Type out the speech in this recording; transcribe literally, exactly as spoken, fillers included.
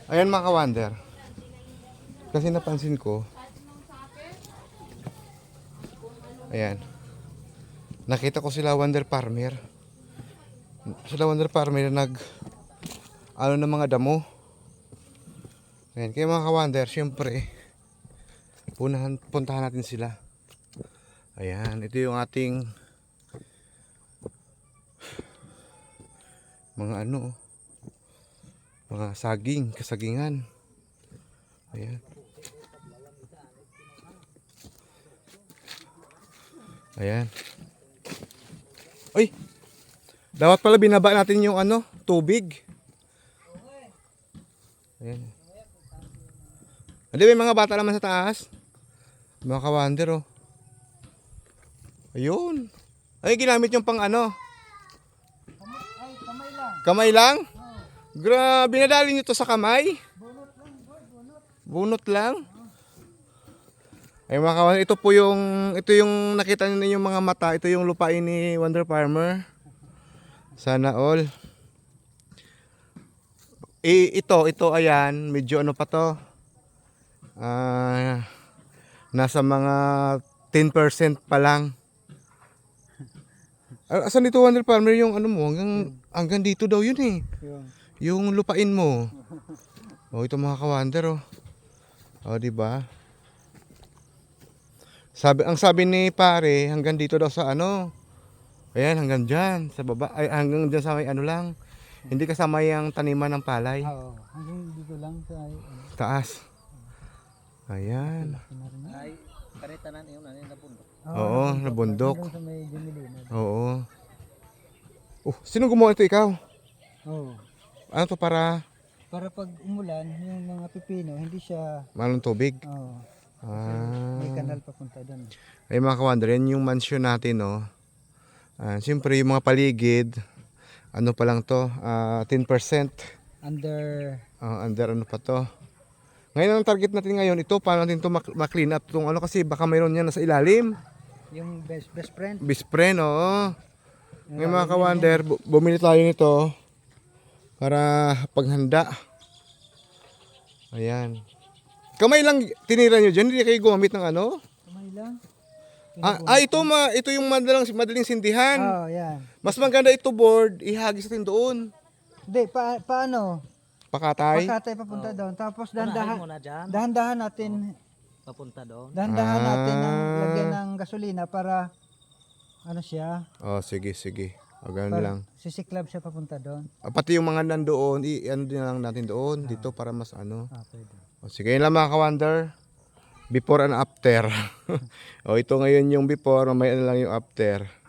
Ayan mga ka-wonder. Kasi napansin ko. Ayan. Nakita ko sila Wonder Farmer. Sila Wonder Farmer nag ano ng mga damo. Ayan. Kaya mga ka-wonder, syempre punahan, puntahan natin sila. Ayan. Ito yung ating mga ano, mga saging, kasagingan. Ayan. Ayan. Uy! Dapat pala binaba natin yung ano, tubig. Ayan. Hindi, may mga bata naman sa taas. Mga ka-wonder, oh. Ayun. Ay, ginamit yung pang ano. Ay, kamay lang. Kamay lang? Grabe, nadali nyo to sa kamay? Bunot lang, boy, bunot. Bunot lang? Ay mga kawan, ito po yung ito yung nakita niyo yung mga mata, ito yung lupain ni Wonder Farmer. Sana all. Eh, ito, ito ayan, medyo ano pa to. Ah, nasa mga ten percent pa lang. Ah, asan dito Wonder Farmer yung ano mo? Hanggang hanggang dito daw yun eh. Yun. Yung lupain mo. Oh, ito mga ka-wonder oh. Oh, di ba? Sabi, ang sabi ni pare, hanggang dito daw sa ano. Ayan, hanggang dyan, sa baba. Ay, hanggang dyan sa may ano lang. Hindi kasama yung taniman ng palay. Oo, hanggang dito lang sa ay, ano, Taas. Ayan. Ay, karitanan yun, ano yung nabundok. Oo, na bundok. hanggang sa may Jumilina. Oo. Oh, sino gumawa ito, ikaw? Oo. Ano to para Para pag umulan, yung mga pipino, hindi siya, malong tubig? oo, Ah. may kanal papunta doon. Ay mga kawander, yan yung mansion natin, no? Ah, siyempre yung mga paligid, ano pa lang to, ah, ten percent. Under, Ah, under ano pa to. Ngayon ang target natin ngayon, ito paano natin to mak- ma-clean up tong ano kasi baka mayroon yan nasa ilalim. yung best best friend. Best friend, oo. Ngayon mga kawander, bu- bumili tayo nito para paghanda. Ayan. Kamay lang tinira nyo dyan, hindi kayo gumamit ng ano? Kamay lang. Ah, ah ito, ma, ito yung madaling, madaling sindihan. Oo, yan. Mas maganda ito board, ihagis natin doon. Hindi, pa, paano? Pakatay. Pakatay papunta doon. Tapos Unahin dahan-dahan, mo na dyan, dahan-dahan natin, papunta doon. dahan-dahan natin ang Ah. lagyan ng gasolina para, ano siya, Oh, sige, sige. O, ganun para lang. sisiklab siya papunta doon. Ah, pati yung mga nandoon, i-ano din lang natin doon, dito para mas ano. Ah, pwede. O, sige, yun lang mga ka-wonder. Before and after. O, ito ngayon yung before, mamaya na lang yung after.